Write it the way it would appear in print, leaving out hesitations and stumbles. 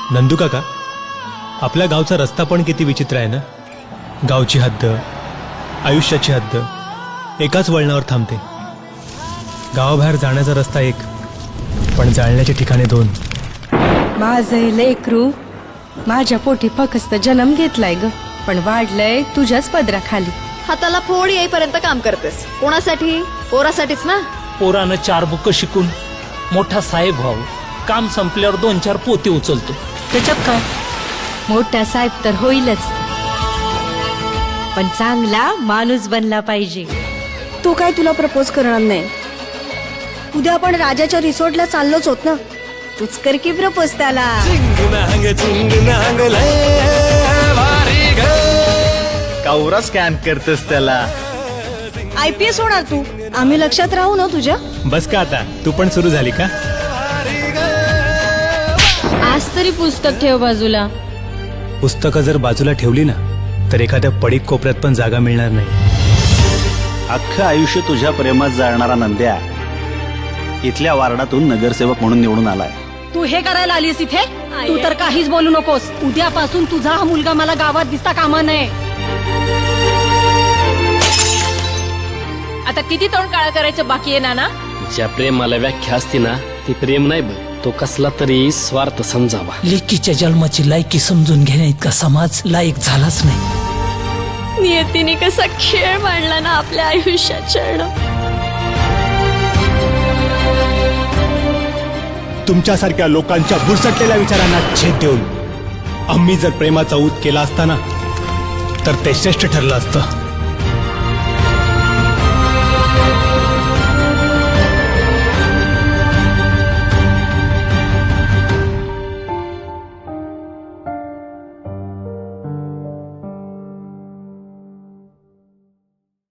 नंदू काका, आपल्या गावचा रस्ता पण किती विचित्र आहे ना. गावची हद्द, आयुष्याची हद्द एकाच वळणावर थांबते. गावाबाहेर जाण्याचा रस्ता एक, पण जाळण्याचे ठिकाणे दोन. माझं लेकरू माझ्या पोटी फक्त जन्म घेतलाय ग, पण वाढलंय तुझ्याच पदराखाली. हाताला फोड येईपर्यंत काम करतेस. कोणासाठी? पोरासाठीच ना. पोरानं 4 बुक शिकून मोठा साहेब व्हावं. काम संपल्यावर 2-4 पोते उचलतो. त्याच्यात काय? मोठा साहेब तर होईलच, पण चांगला माणूस बनला पाहिजे. तो काय तुला प्रपोज करणार नाही. उद्या आपण राजाच्या रिसॉर्टला चाललोच होत ना. तूच कर की प्रपोज त्याला. कावरा स्कॅन करतेस त्याला. IPS होणार तू. आम्ही लक्षात राहू ना तुझ्या. बस का आता, तू पण सुरू झाली का? आज तरी पुस्तक ठेव बाजूला. पुस्तकं जर बाजूला ठेवली ना, तर एखाद्या पडीक कोपऱ्यात पण जागा मिळणार नाही. अख्खं आयुष्य तुझ्या प्रेमात जाणारा नंद्या इथल्या वार्डातून नगरसेवक म्हणून निवडून आलाय. तू हे करायला आलीस इथे. तू तर काहीच बोलू नकोस. उद्यापासून तुझा हा मुलगा मला गावात दिसता कामा नये. आता किती तोंड काळा करायचं बाकी आहे नाना? ज्या प्रेमाला व्याख्या असते ना, ती प्रेम नाही बघ, तो कसला तरी स्वार्थ समजावा. लेकीच्या जन्माची लायकी समजून घेण्या इतका समाज लायक झालाच नाही. नियतीने कसा खेळ मांडला ना आपल्या आयुष्याच्या. तुमच्यासारख्या लोकांच्या बुरसटलेल्या विचारांना छेद देऊन आम्ही जर प्रेमाचा ऊत केला असता ना, तर ते श्रेष्ठ ठरलं असतं.